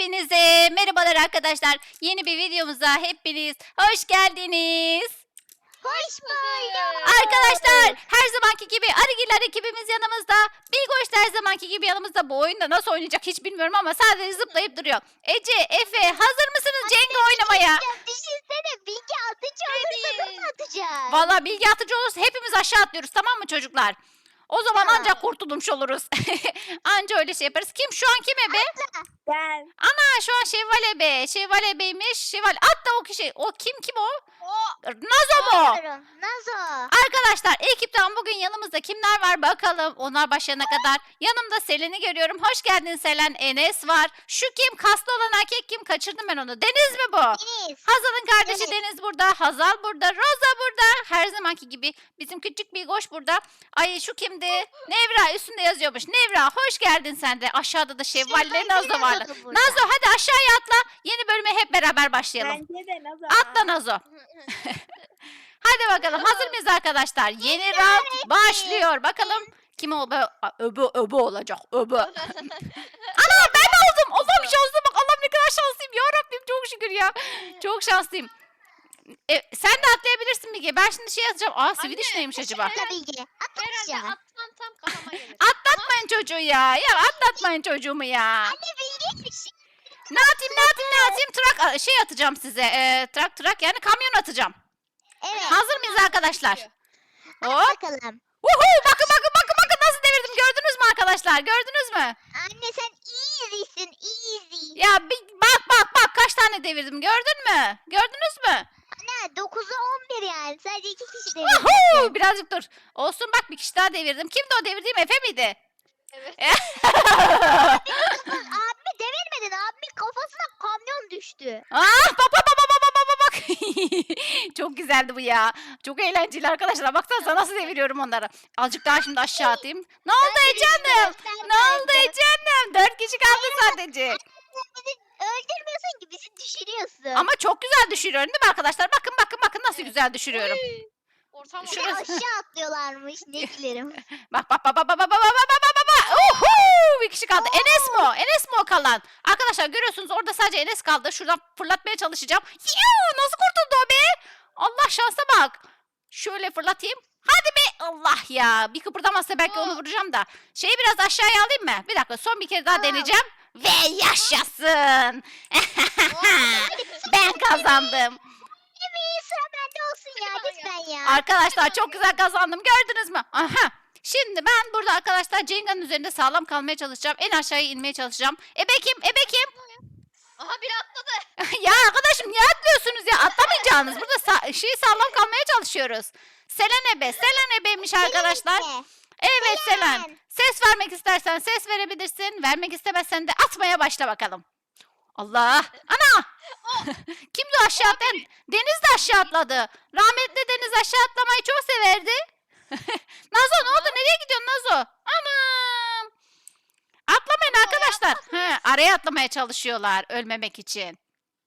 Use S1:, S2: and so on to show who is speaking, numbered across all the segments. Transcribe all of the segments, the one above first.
S1: Hepinize merhabalar arkadaşlar. Yeni bir videomuza hepiniz hoş geldiniz.
S2: Hoş bulduk.
S1: Arkadaşlar her zamanki gibi Arıgiller ekibimiz yanımızda. Bilgoş da her zamanki gibi yanımızda. Bu oyunda nasıl oynayacak hiç bilmiyorum ama sadece zıplayıp duruyor. Ece, Efe hazır mısınız Cenga oynamaya?
S2: Düşünsene Bilge atıcı olursa nasıl atacağız?
S1: Valla bilgi atıcı olursa hepimiz aşağı atlıyoruz, tamam mı çocuklar? O zaman
S2: Tamam.
S1: ancak kurtulmuş oluruz. Anca öyle şey yaparız. Kim şu an kim ebe?
S3: Ben.
S1: Ha, şu an Şevval ebe. Şevval ebeymiş. Şevval. Hatta o kişi. O kim o? Nazo mu?
S2: Bilmiyorum. Nazo.
S1: Arkadaşlar ekipten bugün yanımızda kimler var bakalım. Onlar başlayana kadar. Yanımda Selen'i görüyorum. Hoş geldin Selen. Enes var. Şu kim? Kaslı olan erkek kim? Kaçırdım ben onu. Deniz mi bu?
S2: Deniz.
S1: Hazal'ın kardeşi
S2: Evet.
S1: Deniz burada. Hazal burada. Roza burada. Her zamanki gibi. Bizim küçük bir goş burada. Ay şu kimdi? Nevra üstünde yazıyormuş. Nevra hoş geldin sen de. Aşağıda da Şevval ile Nazo var.
S2: da burada.
S1: Nazo hadi aşağıya atla. Yeni bölüme hep beraber başlayalım.
S3: Bence de Nazo.
S1: Atla Nazo. Hadi bakalım hazır mıyız arkadaşlar? Yeni round başlıyor. Bakalım kim o? Öbü olacak. Öbü. Ana ben de oldum. Allah'ım şanslı bak. Allah'ım ne kadar şanslıyım. Ya Rabbim çok şükür ya. Çok şanslıyım. Sen de atlayabilirsin Bilge. Ben şimdi şey yazacağım. Aa Swedish neymiş acaba?
S2: Atla Bilge. Atla
S4: Herhalde
S2: aşağı.
S4: atsan tam kafama gelir.
S1: Atlatmayın çocuğu ya. Ya atlatmayın çocuğumu ya.
S2: Anne Bilge bir şey.
S1: Ne atayım? Trak şey atacağım size. Trak yani kamyon atacağım.
S2: Evet.
S1: Hazır mıyız arkadaşlar? Hop.
S2: Bakalım.
S1: Uhu, bakın nasıl devirdim gördünüz mü arkadaşlar? Gördünüz mü?
S2: Anne sen easy'sin easy.
S1: Ya bak kaç tane devirdim gördün mü? Gördünüz mü?
S2: Anne 9'a 11 yani. Sadece 2 kişi
S1: Uhu,
S2: devirdi.
S1: birazcık dur. Olsun bak bir kişi daha devirdim. Kimdi o devirdiğim Efe miydi?
S4: Evet.
S2: Abimi devirmedin. Abimin kafasına kamyon düştü.
S1: Bak. Çok güzeldi bu ya. Çok eğlenceli arkadaşlar. Baksanıza nasıl deviriyorum onları. Azıcık daha şimdi aşağı atayım. Ne oldu Ece'nim? Ne oldu Ece'nim? 4 kişi kaldı sadece.
S2: Bizi öldürmüyorsun ki bizi düşürüyorsun.
S1: Ama çok güzel düşürüyorum değil mi arkadaşlar? Bakın nasıl güzel düşürüyorum.
S4: Ortam
S2: Bir de
S1: şurası-
S2: aşağı atlıyorlarmış. Ne gülerim.
S1: Bak. Uhu, bir kişi kaldı. Enes mi o? Enes mi o kalan? Arkadaşlar görüyorsunuz orada sadece Enes kaldı. Şuradan fırlatmaya çalışacağım. Yuu, nasıl kurtuldu o be? Allah şansa bak. Şöyle fırlatayım. Hadi be. Allah ya. Bir kıpırdamazsa belki onu vuracağım da. Şeyi biraz aşağıya alayım mı? Bir dakika son bir kere daha deneyeceğim. Ve yaşasın. Ben kazandım.
S2: Bir sıra bende olsun ya lütfen ya.
S1: Arkadaşlar çok güzel kazandım. Gördünüz mü? Aha. Şimdi ben burada arkadaşlar Cenga'nın üzerinde sağlam kalmaya çalışacağım. En aşağıya inmeye çalışacağım. Ebe kim?
S4: Aha biri atladı.
S1: Ya arkadaşım niye atlıyorsunuz ya? Atlamayacaksınız. Burada sağlam kalmaya çalışıyoruz. Selen ebeymiş arkadaşlar.
S2: Seninle.
S1: Evet Selen.
S2: Selen.
S1: Ses vermek istersen ses verebilirsin. Vermek istemezsen de atmaya başla bakalım. Allah. Ana. Kimdi o aşağı atlayan? Deniz de aşağı atladı. Rahmetli Deniz aşağı atlamayı çok severdi. Nazo ne oldu? Nereye gidiyorsun Nazo? Anam. Atlamayın arkadaşlar. Araya atlamaya çalışıyorlar ölmemek için.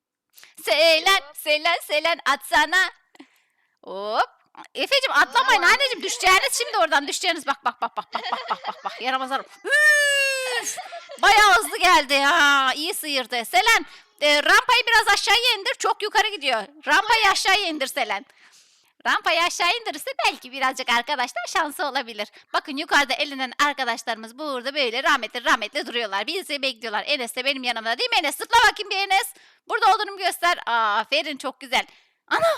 S1: Selen atsana. Hop. Efeciğim atlamayın anneciğim düşeceğiniz şimdi oradan düşeceğiniz bak. Yaramazlarım. Üf! Bayağı hızlı geldi ya. İyi sıyırdı. Selen rampayı biraz aşağıya indir. Çok yukarı gidiyor. Rampayı aşağıya indir Selen. Rampayı aşağı indirirse belki birazcık arkadaşlar şansı olabilir. Bakın yukarıda elenen arkadaşlarımız burada böyle rahmetli duruyorlar. Bizi bekliyorlar. Enes de benim yanımda değil mi Enes? Zıpla bakayım bir Enes. Burada olduğunu göster. Aferin çok güzel. Ana!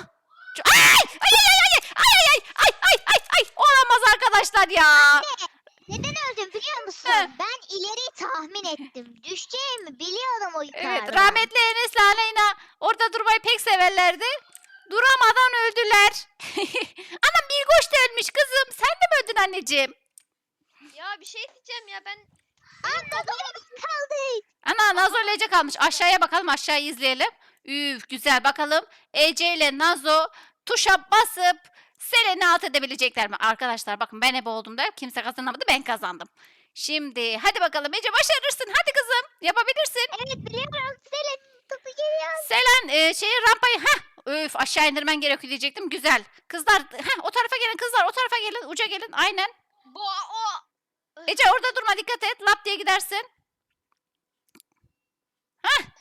S1: Ay! Olamaz arkadaşlar ya.
S2: Neden öldüm biliyor musun?
S1: He.
S2: Ben ileri tahmin ettim. Düşeceğimi biliyordum o yukarıda.
S1: Evet rahmetli Enes'le Aleyna orada durmayı pek severlerdi. Duramadan öldüler. Anam bir koş da ölmüş kızım. Sen de mi öldün anneciğim?
S4: Ya bir şey diyeceğim ya ben.
S2: Kaldı.
S1: Ana Nazo ile Ece kalmış. Aşağıya bakalım aşağıyı izleyelim. Üf güzel bakalım. Ece ile Nazo tuşa basıp Selen'i alt edebilecekler mi? Arkadaşlar bakın ben ebe oldum da kimse kazanamadı ben kazandım. Şimdi hadi bakalım Ece başarırsın. Hadi kızım yapabilirsin.
S2: Evet biliyorum. Selin topu geliyor.
S1: Selen rampayı aşağı indirmen gerekiyor diyecektim. Güzel. Kızlar o tarafa gelin kızlar o tarafa gelin uca gelin aynen.
S4: O.
S1: Ece orada durma dikkat et lap diye gidersin.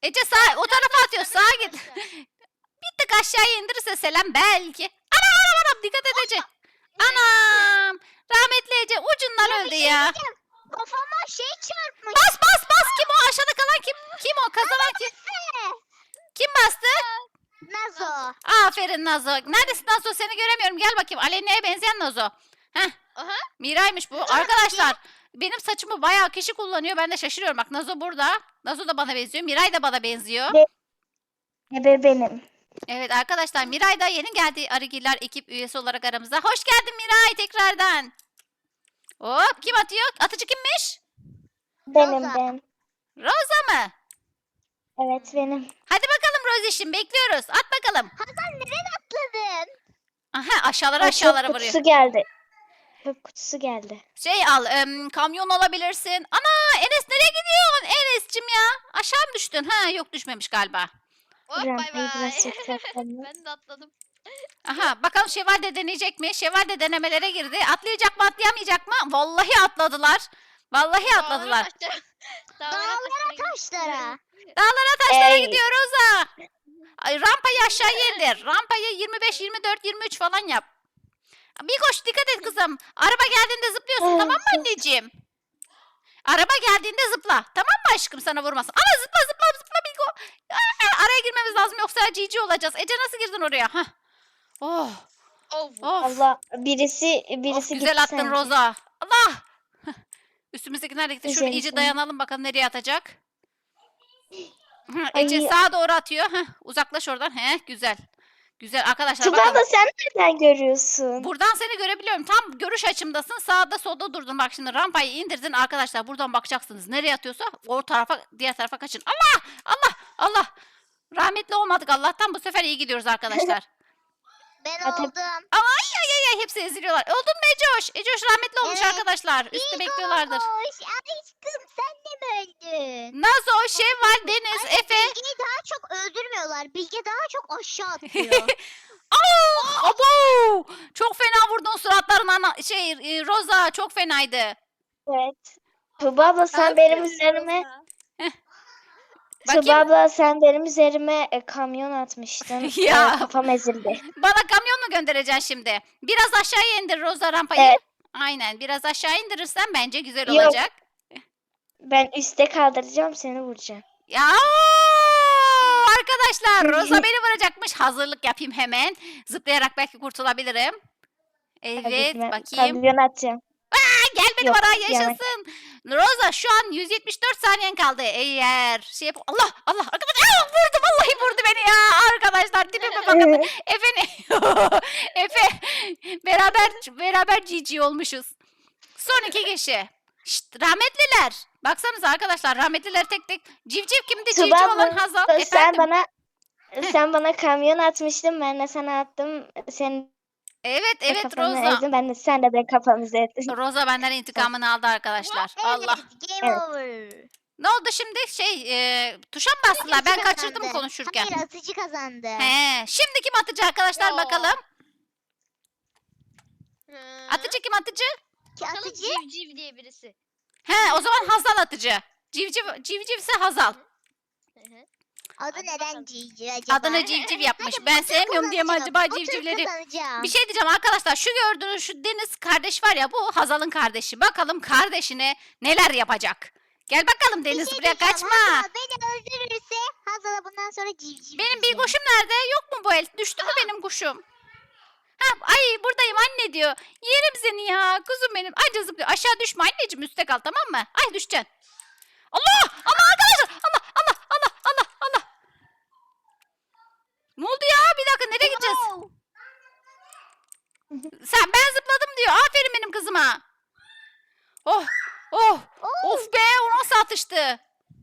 S1: Ece sağ o tarafa atıyor. Sağa git. Bir tık aşağıya indirirse selam belki. Anam dikkat et Ece. Anam. Rahmetli Ece ucundan
S2: Ya bir
S1: öldü
S2: şey
S1: ya.
S2: diyeceğim. Kafama şey çarpmış.
S1: Bas. Kim o? Aşağıda kalan kim? Kim o? Kazanan kim? Kim bastı?
S2: Nazo.
S1: Aferin Nazo. Neredesin Nazo? Seni göremiyorum. Gel bakayım. Aleyna'ya benzeyen Nazo. Heh.
S4: Aha.
S1: Miray'mış bu. Arkadaşlar benim saçımı bayağı kişi kullanıyor. Ben de şaşırıyorum. Bak Nazo burada. Nazo da bana benziyor. Miray da bana benziyor.
S3: Ebe benim.
S1: Evet arkadaşlar Miray da yeni geldi Arıgiller ekip üyesi olarak aramıza. Hoş geldin Miray tekrardan. Hop kim atıyor? Atıcı kimmiş?
S3: Benim
S2: Rosa.
S3: ben.
S1: Rosa mı?
S3: Evet benim.
S1: Hadi bakalım Roziş'im bekliyoruz. At bakalım.
S2: Hazal neden atladın?
S1: Aha aşağılara
S3: Aa,
S1: aşağılara
S3: çöp
S1: vuruyor.
S3: kutusu geldi. Çöp kutusu geldi.
S1: Şey al kamyon alabilirsin. Ana Enes nereye gidiyorsun Enes'cim ya? Aşağı mı düştün? Ha yok düşmemiş galiba.
S4: Hop bay
S3: Rampayı biraz
S4: bay.
S3: yükseltelim.
S4: Ben de atladım.
S1: Aha bakalım Şevval de deneyecek mi? Şevval de denemelere girdi. Atlayacak mı atlayamayacak mı? Vallahi atladılar. Vallahi atladılar.
S2: Dağlara taşlara.
S1: Dağlara taşlara
S3: Ey.
S1: gidiyor Roza. Ay, rampayı aşağıya indir. Rampayı 25, 24, 23 falan yap. Bir koş dikkat et kızım. Araba geldiğinde zıplıyorsun tamam mı anneciğim? Araba geldiğinde zıpla. Tamam mı aşkım sana vurmasın. Ama zıpla Bilgo. Araya girmemiz lazım yoksa cici olacağız. Ece nasıl girdin oraya? Hah. Oh.
S4: Of.
S1: Of.
S3: Allah birisi
S1: Of,
S3: gitti
S1: güzel attın
S3: sanki.
S1: Roza. Allah. Üstümüzdeki nerede gitti? Şöyle
S3: Güzel
S1: iyice
S3: insan.
S1: dayanalım bakalım nereye atacak. Hı, Ece
S3: Ay.
S1: sağa doğru atıyor. Heh, uzaklaş oradan. Güzel. Güzel arkadaşlar
S3: Tuba
S1: bakın.
S3: da sen nereden görüyorsun?
S1: Buradan seni görebiliyorum. Tam görüş açımdasın. Sağda solda durdun. Bak şimdi rampayı indirdin arkadaşlar. Buradan bakacaksınız. Nereye atıyorsa o tarafa diğer tarafa kaçın. Allah. Rahmetli olmadık Allah'tan. Bu sefer iyi gidiyoruz arkadaşlar.
S2: Ben
S3: Hadi.
S2: oldum.
S1: Ay hepsi eziliyorlar. Oldun mu Ecoş? Ecoş rahmetli olmuş
S2: Evet.
S1: arkadaşlar. Üstte bekliyorlardır.
S2: Hoş. Aşkım sen de mi öldün?
S1: Nazo, Şevval, Deniz, Efe.
S2: Bilge'yi daha çok öldürmüyorlar. Bilge daha çok aşağı atıyor.
S1: Abo! Çok fena vurdun suratlarına. Roza çok fenaydı.
S3: Evet. Tuba abla sen benim üzerime
S1: Bakayım.
S3: Tuba abla sen benim üzerime kamyon atmıştın.
S1: Ya.
S3: Kafam ezildi.
S1: Bana kamyon mu göndereceksin şimdi? Biraz aşağıya indir Roza rampayı.
S3: Evet.
S1: Aynen. Biraz aşağı indirirsen bence güzel
S3: Yok.
S1: olacak.
S3: Ben üste kaldıracağım seni vuracağım.
S1: Ya arkadaşlar Roza beni vuracakmış. Hazırlık yapayım hemen. Zıplayarak belki kurtulabilirim. Evet
S3: Hadi ben
S1: bakayım.
S3: kamyon atacağım.
S1: Gel benim
S3: Yok,
S1: ara
S3: yani.
S1: yaşasın. Roza şu an 174 saniyen kaldı. Eğer şey yap Allah arkadaşlar vurdu vallahi vurdu beni ya arkadaşlar tipime bakın. Efe beraber GG olmuşuz. Son 2 kişi. Şşt, rahmetliler. Baksanıza arkadaşlar rahmetliler tek tek. Civciv kimdi?
S3: Tuba
S1: Civciv olan
S3: abla,
S1: Hazal.
S3: sen
S1: Efendim.
S3: sen bana kamyon atmıştın ben de sana attım. Sen
S1: Evet
S3: kafanı
S1: Roza.
S3: ezdin ben de sen de ben kafamızı ettin.
S1: Roza benden intikamını aldı arkadaşlar. Allah.
S2: Evet, game
S3: Evet.
S2: over.
S1: Ne oldu şimdi? Tuşa mı bastılar? Ben
S2: Atıcı
S1: kaçırdım
S2: kazandı.
S1: konuşurken.
S2: Hayır atıcı kazandı.
S1: He, şimdi kim atıcı arkadaşlar
S4: Ya.
S1: bakalım.
S4: Hı.
S1: Atıcı kim atıcı?
S2: Ki
S4: Bakalım
S2: atıcı
S4: Civciv diye birisi.
S1: He, o zaman Hazal atıcı. Civcivse Hazal.
S4: Hı hı.
S2: adı
S4: Hadi
S2: neden
S4: bakalım.
S2: Cici acaba?
S1: Adını civciv yapmış.
S2: Hadi
S1: Ben
S2: bu tur
S1: sevmiyorum diye mi
S2: kazanacağım.
S1: acaba
S2: Bu tur
S1: civcivleri?
S2: kazanacağım.
S1: Bir şey diyeceğim arkadaşlar. Şu gördüğünüz şu Deniz kardeş var ya bu Hazal'ın kardeşi. Bakalım kardeşine neler yapacak. Gel bakalım
S2: Bir
S1: Deniz
S2: şey
S1: buraya
S2: diyeceğim,
S1: kaçma.
S2: Hazal beni öldürürse Hazal'a bundan sonra civciv
S1: Benim bir
S2: diyeceğim.
S1: kuşum nerede? Yok mu bu el? Düştü mü benim kuşum? Ha, ay buradayım anne diyor. Yerim seni ya. Kuzum benim. Ay zıplıyor. Aşağı düşme anneciğim üstte kal tamam mı? Ay düşeceksin. Allah arkadaşlar. Allah. Ne oldu ya? Bir dakika nereye gideceğiz? Ben zıpladım diyor. Aferin benim kızıma. Oh. Of be o nasıl atıştı?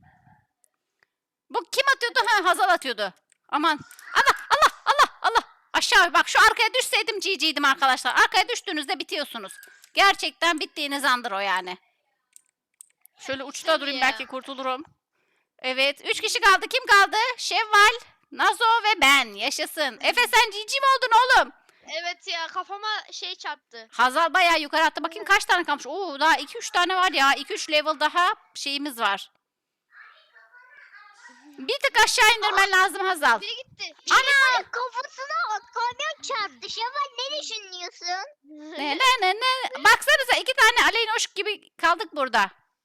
S1: Bu kim atıyordu? Ha Hazal atıyordu. Aman. Allah. Aşağı bak şu arkaya düşseydim GG'ydim arkadaşlar. Arkaya düştüğünüzde bitiyorsunuz. Gerçekten bittiğiniz andır o yani. Şöyle uçta
S4: Tabii
S1: durayım
S4: ya.
S1: belki kurtulurum. Evet 3 kişi kaldı. Kim kaldı? Şevval, Nazo ve ben. Yaşasın. Efe sen GG mi oldun oğlum?
S4: Evet ya kafama şey çarptı.
S1: Hazal bayağı yukarı attı. Bakayım kaç tane kalmış. Oo daha 2-3 tane var ya. 2-3 level daha şeyimiz var. Bir tık aşağı indirmen lazım Hazal.
S4: Biri gitti.
S2: Ana kafasına kamyon çarptı. Şevval ne düşünüyorsun?
S1: Ne. Baksanıza 2 tane aleynoş gibi kaldık burada.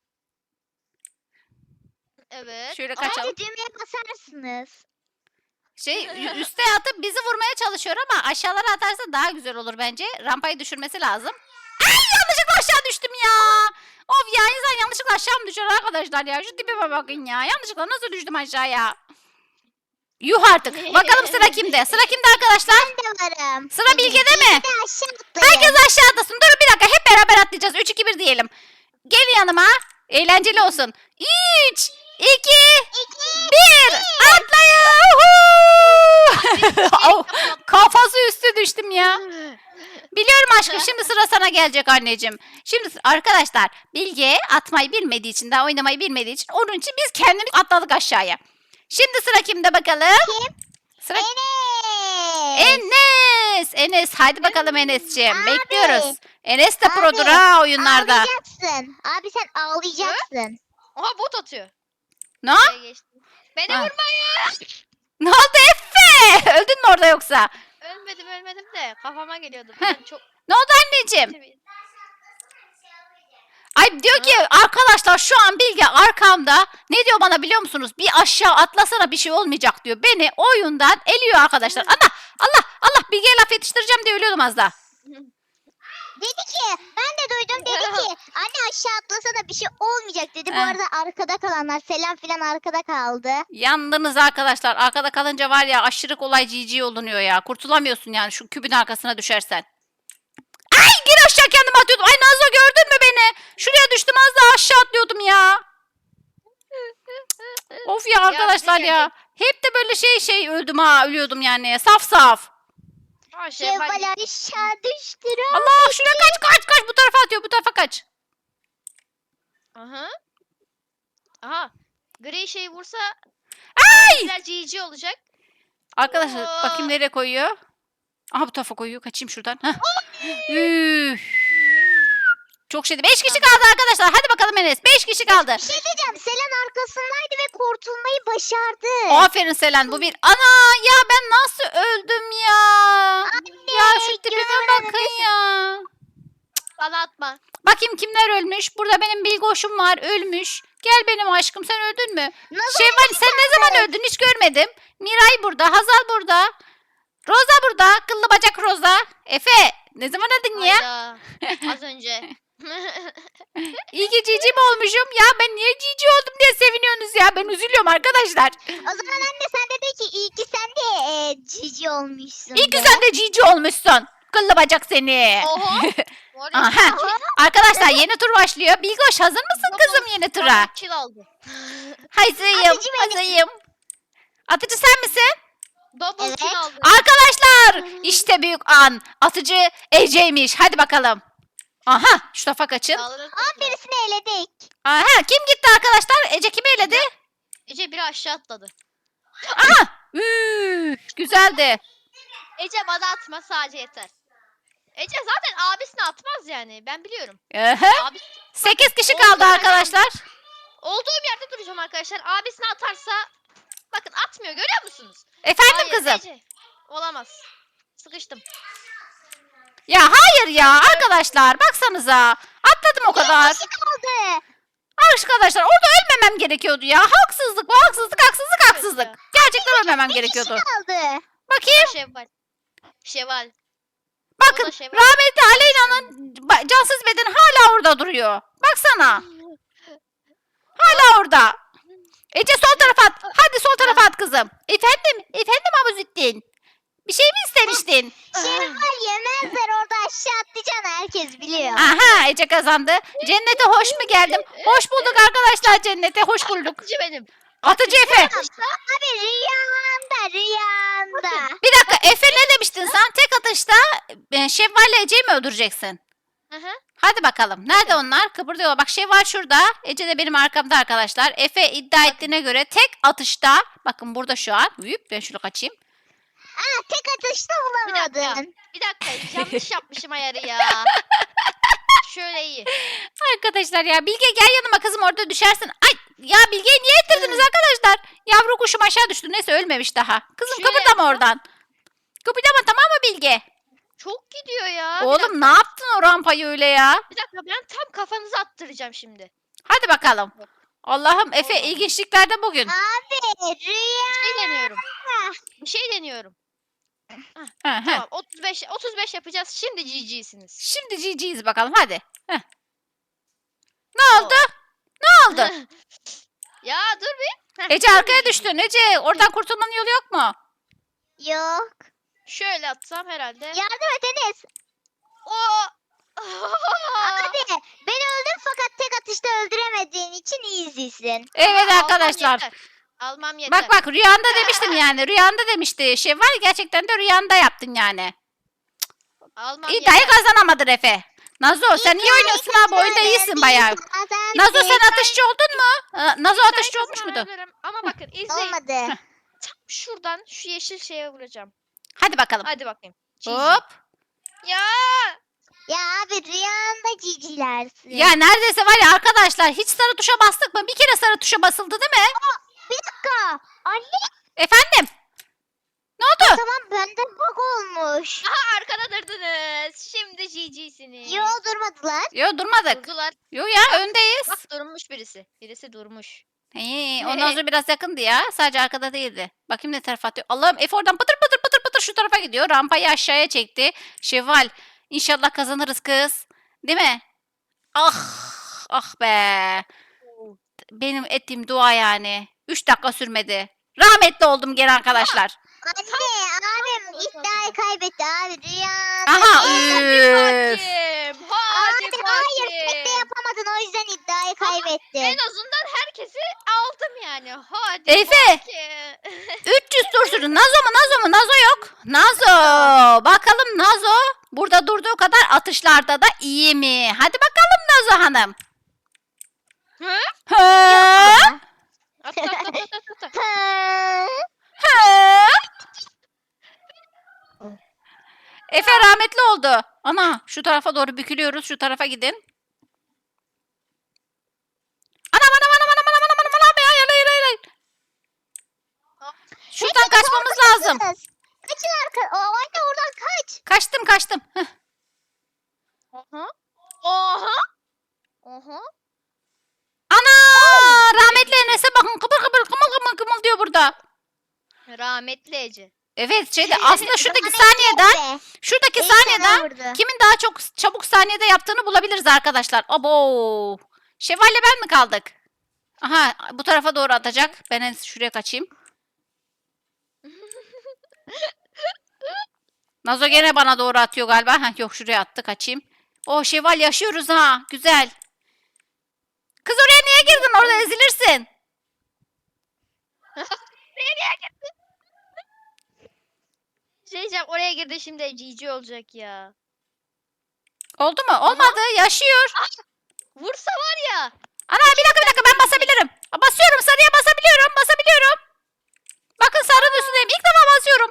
S4: Evet.
S1: Şöyle kaçalım.
S2: Bence düğmeye basarsınız.
S1: Üste atıp bizi vurmaya çalışıyor ama aşağılara atarsa daha güzel olur bence. Rampayı düşürmesi lazım. Ay yanlışlıkla aşağı düştüm ya. Of ya insan yanlışlıkla aşağı mı düşer arkadaşlar ya? Şu tipime bakın ya. Yanlışlıkla nasıl düştüm aşağıya? Yuh artık. Bakalım sıra kimde? Sıra kimde arkadaşlar?
S2: Ben de varım.
S1: Sıra Bilge'de mi?
S2: Bir de aşağı atlayın.
S1: Herkes aşağı atlasın. Durun bir dakika. Hep beraber atlayacağız. 3, 2, 1 diyelim. Gelin yanıma. Eğlenceli olsun. 3, 2, 1. Atlayın. Au, kafası üstü düştüm ya. Biliyorum aşkım şimdi sıra sana gelecek anneciğim. Şimdi arkadaşlar Bilge atmayı bilmediği için daha oynamayı bilmediği için onun için biz kendimiz atladık aşağıya. Şimdi sıra kimde bakalım?
S2: Kim?
S1: Sıra
S2: Enes.
S1: Enes hadi bakalım Enes'ciğim.
S2: Abi.
S1: Bekliyoruz. Enes de
S2: Abi,
S1: produr ha oyunlarda.
S2: Ağlayacaksın. Abi sen ağlayacaksın.
S4: Oha bot atıyor.
S1: Ne?
S4: Şuraya geçtim. Beni
S1: Ha.
S4: vurmayın.
S1: Ne oldu Efe? Öldün mü orada yoksa?
S4: Ölmedim de kafama geliyordu. Ben çok
S1: Ne oldu anneciğim? Ay diyor ki arkadaşlar şu an Bilge arkamda ne diyor bana biliyor musunuz? Bir aşağı atlasana bir şey olmayacak diyor. Beni oyundan eliyor arkadaşlar. Allah Bilge'ye laf yetiştireceğim diye ölüyordum az daha.
S2: Dedi ki ben de duydum dedi ki anne aşağı atlasana bir şey olmayacak dedi. Bu
S1: He.
S2: arada arkada kalanlar Selam filan arkada kaldı.
S1: Yandınız arkadaşlar. Arkada kalınca var ya aşırı kolay GG olunuyor ya. Kurtulamıyorsun yani şu kübün arkasına düşersen. Ay gir aşağı kendimi atıyordum. Ay Nazlı gördün mü beni? Şuraya düştüm az daha aşağı atlıyordum ya. Of ya arkadaşlar
S4: ne
S1: ya. Hep de böyle şey öldüm ha ölüyordum yani. Saf.
S4: Ha,
S2: Şevval aşağı düştü.
S1: Allah şuraya kaç bu tarafa atıyor bu tarafa kaç.
S4: Aha. Aha. Gri şeyi vursa
S1: Ay!
S4: güzel GG olacak.
S1: Arkadaşlar
S4: Aa.
S1: bakayım nereye koyuyor. Aha bu tarafa koyuyor. Kaçayım şuradan. Heh. Üf. Çok şeydi. 5 kişi kaldı arkadaşlar. Hadi bakalım Enes. 5 kişi kaldı.
S2: Bir şey diyeceğim. Selen arkasındaydı ve kurtulmayı başardı.
S1: Aferin Selen bu bir. Ana ya ben nasıl öldüm ya. Ya şu tipime bakın ya.
S4: Bana atma.
S1: Bakayım kimler ölmüş. Burada benim Bilgoş'um var ölmüş. Gel benim aşkım sen öldün mü?
S2: Nasıl
S1: Şevval sen ne zaman öldün hiç görmedim. Miray burada. Hazal burada. Roza burada. Kıllı bacak Roza. Efe ne zaman öldün ya?
S4: Hayda. Az önce.
S1: İyi ki cici mi olmuşum? Ya ben niye cici oldum diye seviniyorsunuz ya. Ben üzülüyorum arkadaşlar.
S2: O zaman anne sen de de ki iyi ki sen de cici olmuşsun.
S1: İyi ki
S2: de.
S1: sen de cici olmuşsun. Kıllı bacak seni.
S4: Oha. Var ya,
S1: Aha. Arkadaşlar yeni tur başlıyor. Bilgoş hazır mısın
S4: Double-
S1: kızım yeni tura?
S4: double kill aldı.
S1: Hazırım.
S2: Atıcı benim.
S1: Hazırım. Atıcı sen misin?
S4: Double
S2: Evet.
S4: kill aldı.
S1: Arkadaşlar işte büyük an. Atıcı Ece'ymiş. Hadi bakalım. Aha şu tarafa kaçın.
S4: Dağlara
S2: Birisini eledik.
S1: Aha kim gitti arkadaşlar? Ece kimi eledi?
S4: Ece biri aşağı atladı.
S1: Aha. Üf, güzeldi.
S4: Ece bana atma sadece yeter. Ece zaten abisine atmaz yani. Ben biliyorum.
S1: Aha.
S4: Abi
S1: 8 kişi
S4: Oldu
S1: kaldı
S4: yani.
S1: arkadaşlar.
S4: olduğum yerde duracağım arkadaşlar. Abisine atarsa bakın atmıyor görüyor musunuz?
S1: Efendim
S4: Hayır,
S1: kızım.
S4: Ece. Olamaz. Sıkıştım.
S1: Ya hayır ya arkadaşlar baksanıza. Atladım o kadar.
S2: Kişi kaldı.
S1: Arkadaşlar orada ölmemem gerekiyordu ya. Haksızlık bu haksızlık. Gerçekten ölmemem gerekiyordu.
S2: Kişi kaldı.
S1: Bakayım.
S4: Şevval. Şevval.
S1: Bakın
S4: O da şey var.
S1: rahmetli Aleyna'nın cansız beden hala orada duruyor. Baksana. Hala orada. Ece sol tarafa at. Hadi sol tarafa at kızım. Efendim Abuzittin. Bir şey mi istemiştin?
S2: Şevval yemezler orada aşağı atlayacaksın herkes biliyor.
S1: Aha Ece kazandı. Cennete hoş mu geldim? Hoş bulduk arkadaşlar cennete hoş bulduk.
S4: Atıcı benim.
S1: Atıcı Efe.
S2: Abi rüyanda.
S1: Bir dakika Efe ne demiştin sen? Tek atışta Şevval ile Ece'yi mi öldüreceksin?
S4: Hı hı.
S1: Hadi bakalım. Nerede onlar? Kıpırdıyorlar. Bak Şevval şurada. Ece de benim arkamda arkadaşlar. Efe iddia ettiğine göre tek atışta. Bakın burada şu an. Hüp, ben şunu kaçayım.
S2: Tek atışta
S4: Bir dakika.
S2: bulamadın.
S4: Bir dakika yanlış yapmışım ayarı ya. Şöyle iyi.
S1: Arkadaşlar ya Bilge gel yanıma kızım orada düşersin. Ay ya Bilge'yi niye ittirdiniz arkadaşlar? Ya kuşum aşağı düştü. Neyse ölmemiş daha. Kızım
S4: Şöyle
S1: kıpırdama
S4: yapsam.
S1: oradan. Kıpırdama tamam mı Bilge?
S4: Çok gidiyor ya. Bir
S1: Oğlum
S4: dakika.
S1: ne yaptın o rampayı öyle ya?
S4: Bir dakika ben tam kafanızı attıracağım şimdi.
S1: Hadi bakalım. Allah'ım Efe
S4: Olmadı.
S1: ilginçliklerde bugün.
S2: Abi
S4: Bir
S2: rüya.
S4: şey deniyorum. Bir şey deniyorum.
S1: Hı hı.
S4: Tamam 35 yapacağız. Şimdi GG'siniz.
S1: Şimdi GG'yiz bakalım hadi. Heh. Ne oldu? Ne oldu?
S4: Ya dur bir. Heh,
S1: Ece
S4: şimdi
S1: arkaya
S4: GG.
S1: düştün. Ece oradan kurtulmanın yolu yok mu?
S2: Yok.
S4: Şöyle atsam herhalde.
S2: Yardım et Enes.
S4: Oo.
S2: Abi ben öldüm fakat tek atışta öldüremediğin için easy'sin.
S1: Evet
S4: Almam
S1: arkadaşlar.
S4: yeter. Almam yeter.
S1: Bak bak rüyanda demiştim yani. Rüyanda demişti. Şey var ya, gerçekten de rüyanda yaptın yani.
S4: Almam
S1: İddiayı
S4: yeter.
S1: kazanamadın Efe. Nazo sen iyi oynuyorsun abi. Oyunda iyisin bayağı. Nazo sen atışçı oldun mu? Nazo
S4: İddiayı
S1: atışçı olmuş muydu?
S4: kazanabilirim. Ama bakın izleyin.
S2: Olmadı.
S4: Tam şuradan şu yeşil şeye vuracağım.
S1: Hadi bakalım.
S4: Hadi bakayım. GG.
S1: Hop.
S4: Ya.
S2: Ya abi rüyanda cicilersin.
S1: Ya neredeyse var ya arkadaşlar hiç sarı tuşa bastık mı? Bir kere sarı tuşa basıldı değil mi?
S2: Bir dakika. Anne
S1: Efendim? Ne oldu?
S2: tamam bende bug olmuş.
S4: Aha arkada durdunuz. Şimdi GG'siniz.
S2: Yo durmadılar.
S1: Yo durmadık.
S4: Durdular.
S1: Yo ya öndeyiz.
S4: Bak durmuş birisi. Birisi durmuş.
S1: O Nazo biraz yakındı ya. Sadece arkada değildi. Bakayım ne tarafa atıyor. Allah'ım Efe oradan pıtır pıtır pıtır pıtır şu tarafa gidiyor. Rampayı aşağıya çekti. Şevval inşallah kazanırız kız. Değil mi? Ah ah be. Benim ettiğim dua yani. 3 dakika sürmedi. Rahmetli oldum gene arkadaşlar.
S2: Anne abim iddiayı kaybetti abi rüyanda.
S1: Aha.
S2: cicilersin.
S1: Üf.
S4: Bakayım. Hadi
S2: Abi hayır tek de
S4: bakayım.
S2: yapamadın o yüzden iddiayı
S4: En
S2: kaybettin.
S4: azından herkesi aldım yani. Hadi
S1: Efe.
S4: bakayım.
S1: 300 tur sürdü. Nazo mu? Nazo mu? Nazo yok. Nazo. Bakalım Nazo burada durduğu kadar atışlarda da iyi mi? Hadi bakalım Nazo Hanım.
S4: Hı?
S1: Hı?
S4: At, at, at, at, at, at.
S2: Hı.
S1: Hı? Efe rahmetli oldu. Ana şu tarafa doğru bükülüyoruz. Şu tarafa gidin. Anam anam anam anam anam anam anam anam. Hayır hayır hayır, hayır. Şuradan
S2: Hepiniz
S1: kaçmamız
S2: orada
S1: lazım.
S2: mısınız? Kaçın arka. O anne oradan kaç.
S1: Kaçtım kaçtım. Heh.
S4: Oha. Oha. Oha.
S1: Ana rahmetli Enes'e bakın kıpır kıpır kımıl kımıl kımıl diyor burada.
S4: Rahmetli Ece.
S1: Evet şeyde aslında şuradaki
S2: Rahmetli
S1: saniyeden
S2: be.
S1: şuradaki
S2: İyi sana
S1: saniyeden
S2: vurdu.
S1: kimin daha çok çabuk saniyede yaptığını bulabiliriz arkadaşlar. Abo. Şevval'le ben mi kaldık? Aha bu tarafa doğru atacak. Ben en iyisi şuraya kaçayım. Nazo gene bana doğru atıyor galiba. Heh, yok şuraya attı kaçayım. O Şevval yaşıyoruz ha. Güzel. Kız oraya niye girdin? Orada ezilirsin.
S4: Şey diyeceğim oraya girdi şimdi GG olacak ya.
S1: Oldu mu? Olmadı. Yaşıyor.
S4: Vursa var ya.
S1: Ana bir dakika ben basabilirim. Basıyorum sarıya basabiliyorum. Basabiliyorum. Bakın sarının üstündeyim. İlk defa basıyorum.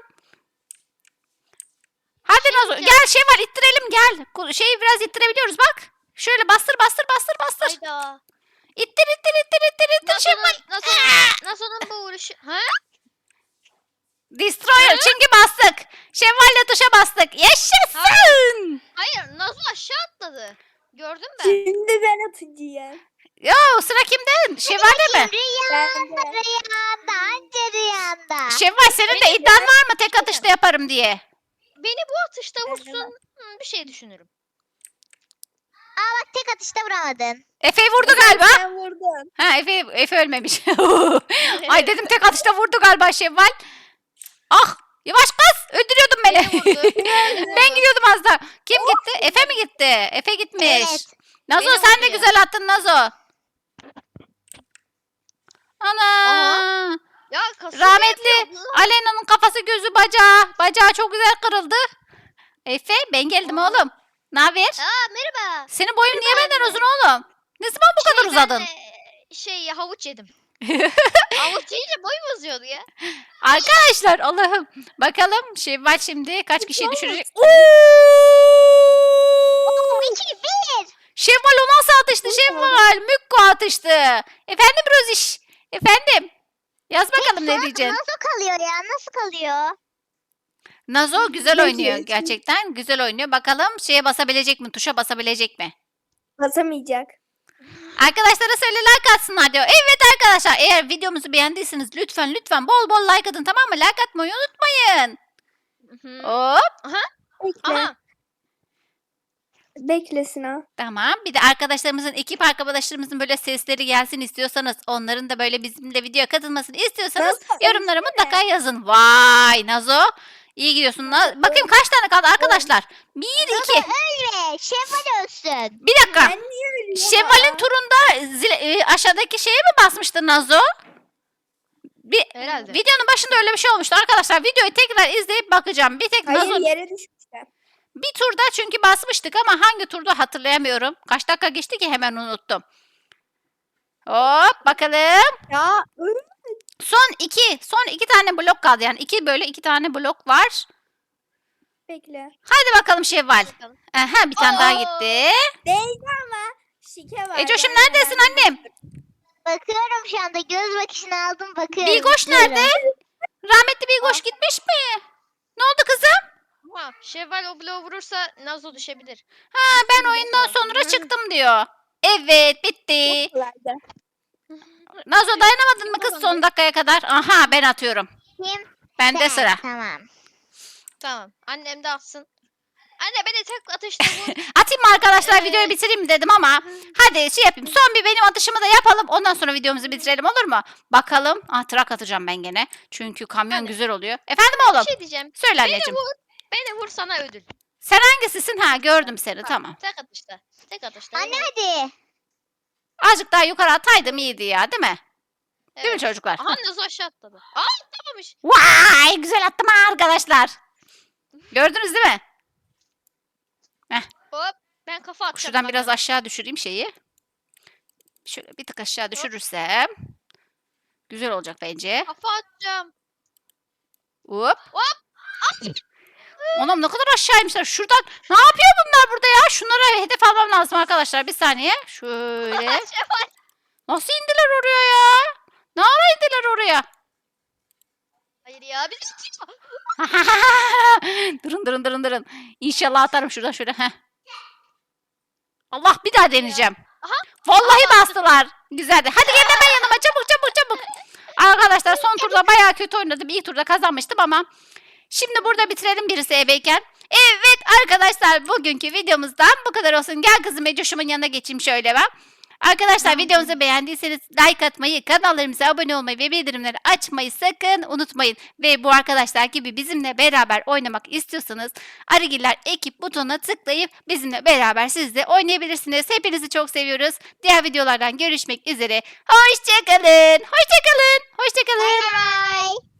S1: Hadi Nazo gel şey var ittirelim gel. Şeyi biraz ittirebiliyoruz bak. Şöyle bastır bastır bastır bastır.
S4: Hayda.
S1: İttir ittir ittir ittir ittir şey var.
S4: Nasıl'ın bu vuruşu? Ha?
S1: Destroyer çünkü bastık. Şevval'le tuşa bastık. Yaşasın.
S4: Hayır Nazo aşağı atladı. Gördün mü?
S5: Şimdi ben atacağım.
S1: Yo sıra kimden? Şevval'le mi?
S2: Rüyanda rüyanda anca rüyanda.
S1: Şevval senin de iddian var mı tek atışta yaparım diye?
S4: Beni bu atışta vursun. Bir şey düşünürüm.
S2: Aa bak tek atışta vuramadın.
S1: Efe'yi vurdu galiba.
S5: Ben vurdum.
S1: Ha Efe ölmemiş. Ay dedim tek atışta vurdu galiba Şevval. Ah yavaş kız öldürüyordun beni.
S4: Beni vurdu.
S1: Ben gidiyordum az daha. Kim gitti? Efe mi gitti? Efe gitmiş.
S2: Evet.
S1: Nazo
S4: Beni
S1: sen de
S4: vurdu ya.
S1: güzel attın Nazo. Ana.
S4: Aha. Ya kasıyor
S1: Rahmetli
S4: yapıyor.
S1: Alena'nın kafası gözü bacağı. Bacağı çok güzel kırıldı. Efe ben geldim oğlum. Ne haber?
S4: Aa merhaba.
S1: Senin boyun niye benden uzun oğlum? Ne zaman bu kadar
S4: Ben,
S1: uzadın?
S4: havuç yedim. Havuç yiyince boyum uzuyordu ya.
S1: Arkadaşlar Allah'ım. Bakalım Şevval şimdi kaç kişiyi düşürecek? Oo!
S2: 2-1.
S1: Şevval o nasıl atıştı Şevval? Mükko atıştı. Efendim Roziş. Efendim. Yaz bakalım ne
S2: Sonra
S1: diyeceksin.
S2: Nasıl kalıyor ya? Nasıl kalıyor?
S1: Nazo güzel
S5: Ne
S1: oynuyor
S5: diyorsun?
S1: gerçekten. Güzel oynuyor. Bakalım şeye basabilecek mi? Tuşa basabilecek mi?
S5: Basamayacak.
S1: Arkadaşlara söyle like atsınlar diyor. Evet arkadaşlar eğer videomuzu beğendiyseniz lütfen bol bol like atın tamam mı? Like atmayı unutmayın.
S4: Hı.
S1: Hop
S5: Bekle.
S4: Aha.
S5: Bekle Sinan.
S1: tamam. Bir de arkadaşlarımızın ekip arkadaşlarımızın böyle sesleri gelsin istiyorsanız onların da böyle bizimle video katılmasını istiyorsanız
S5: Nazo,
S1: yorumlara
S5: ölsene.
S1: mutlaka yazın. Vay Nazo. İyi gidiyorsun. Bakayım kaç tane kaldı arkadaşlar. 1, 2.
S2: Ölme. Şevval ölsün.
S1: Bir dakika.
S5: Ben niye ölüyorum?
S1: Şevval'in turunda aşağıdaki şeye mi basmıştı Nazo?
S4: Herhalde.
S1: Videonun başında öyle bir şey olmuştu arkadaşlar. Videoyu tekrar izleyip bakacağım. Bir tek
S5: Hayır
S1: Nazo
S5: yere düşmüşler.
S1: bir turda çünkü basmıştık ama hangi turda hatırlayamıyorum. Kaç dakika geçti ki hemen unuttum. Hop bakalım.
S5: Ya
S1: Son iki tane blok kaldı. Yani iki tane blok var.
S5: bekle.
S1: Hadi bakalım Şevval.
S4: Bakalım.
S1: Aha, bir tane daha
S4: Oo.
S1: gitti.
S5: Değil ama şike var.
S1: Ecoş'um
S5: Ben
S1: neredesin
S5: hemen-
S1: annem?
S2: Bakıyorum şu anda. Göz bakışını aldım bakıyorum.
S1: Bilgoş nerede? Rahmetli Bilgoş gitmiş mi? Ne oldu kızım?
S4: Ama Şevval o bloğu vurursa Nazo düşebilir.
S1: Ha, ben oyundan sonra çıktım diyor. Evet bitti.
S5: Çok kolaydı.
S1: Nazo dayanamadın mı kız son dakikaya kadar? Aha ben atıyorum.
S2: Kim?
S1: Bende
S2: Sen,
S1: sıra.
S2: Tamam.
S4: Tamam. Annem de atsın. Anne beni tek atışta vur.
S1: Atayım mı arkadaşlar videoyu bitireyim mi dedim ama hadi şey yapayım. Son bir benim atışımı da yapalım. Ondan sonra videomuzu bitirelim olur mu? Bakalım. Trak atacağım ben gene. Çünkü kamyon
S4: Hadi.
S1: güzel oluyor. Efendim oğlum?
S4: Bir şey diyeceğim.
S1: Söyle
S4: Beni
S1: anneciğim.
S4: vur. Beni vur sana ödül.
S1: Sen hangisisin? Ha gördüm seni tamam.
S4: Tek atışta. Tek atışta.
S2: Anne
S4: evet.
S2: hadi.
S1: Azıcık daha yukarı ataydım iyiydi ya değil mi? Değil mi
S4: Evet.
S1: çocuklar?
S4: Aha Nazo aşağı atladı. Aa atlamamış.
S1: Vay güzel attım ha arkadaşlar. Gördünüz değil mi?
S4: Hop. Ben kafa atacağım.
S1: Şuradan biraz
S4: bakalım.
S1: aşağı düşüreyim şeyi. Şöyle bir tık aşağı düşürürsem. Güzel olacak bence.
S4: Kafa atacağım.
S1: Hop.
S4: Hop.
S1: Anam ne kadar aşağıymışlar. Şuradan ne yapıyor bunlar burada ya? Şunlara hedef almam lazım arkadaşlar. Bir saniye. Şöyle.
S4: Şevval.
S1: Nasıl indiler oraya ya? Ne ara indiler oraya?
S4: Hayır ya. Biz
S1: Durun. İnşallah atarım şuradan şöyle. Heh. Allah bir daha deneyeceğim.
S4: Aha.
S1: Vallahi bastılar. Güzeldi. Hadi gelin hemen yanıma çabuk. Arkadaşlar son turda bayağı kötü oynadım. İlk turda kazanmıştım ama şimdi burada bitirelim birisi ebeyken. Evet arkadaşlar bugünkü videomuzdan bu kadar olsun. Gel kızım Ecoş'umun yanına geçeyim şöyle ben. Arkadaşlar videomuzu beğendiyseniz like atmayı, kanallarımıza abone olmayı ve bildirimleri açmayı sakın unutmayın. Ve bu arkadaşlar gibi bizimle beraber oynamak istiyorsanız Arıgiller ekip butonuna tıklayıp bizimle beraber siz de oynayabilirsiniz. Hepinizi çok seviyoruz. Diğer videolardan görüşmek üzere. Hoşçakalın.
S2: Bye bye.